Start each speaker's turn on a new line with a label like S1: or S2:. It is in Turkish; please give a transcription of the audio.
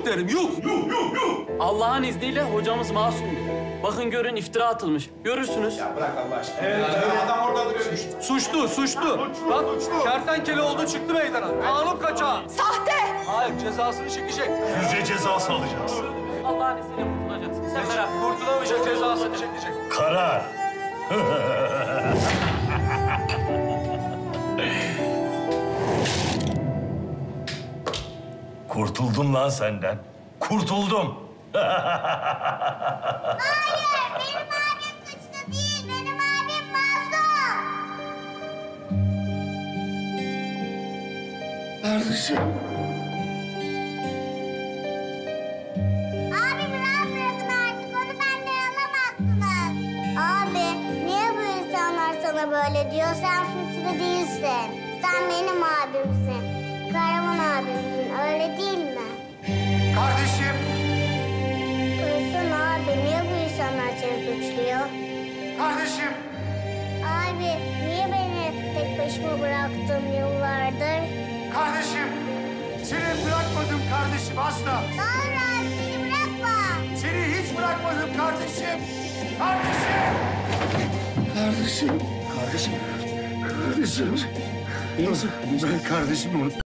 S1: derim, yuh!
S2: Allah'ın izniyle hocamız masumdur. Bakın görün iftira atılmış. Görürsünüz.
S3: Ya bırak Allah aşkına.
S1: Evet,
S3: adam orada duruyor.
S1: Suçlu. Bak, kertenkele oldu çıktı meydana. Kanun kaçağı.
S4: Sahte!
S1: Hayır, cezasını çekecek.
S5: Yüce cezası alacağız.
S2: Allah'ın izniyle kurtulacaksın. Sen merak etme.
S1: Kurtulamayacak, cezasını çekecek.
S5: Karar. Kurtuldum lan senden. Kurtuldum.
S6: Hayır, benim abim suçlu değil. Benim abim masum.
S5: Kardeşim.
S6: Abimi rahat bırakın artık. Onu benden alamazsınız. Abi, niye bu insanlar sana böyle diyor? Sen suçlu değilsin. Sen benim abimsin. Kahraman abimsin. Öyle değil mi?
S3: Kardeşim.
S6: Kızsın abi. Niye bu insanlar seni suçluyor?
S3: Kardeşim.
S6: Abi, niye beni tek başıma bıraktın yıllardır?
S3: Kardeşim. Seni bırakmadım kardeşim asla.
S6: Doğru abi, beni bırakma.
S3: Seni hiç bırakmadım kardeşim. Kardeşim.
S5: Kardeşim. Kardeşim. Kardeşim. Nasıl? Ben kardeşimi unuttum.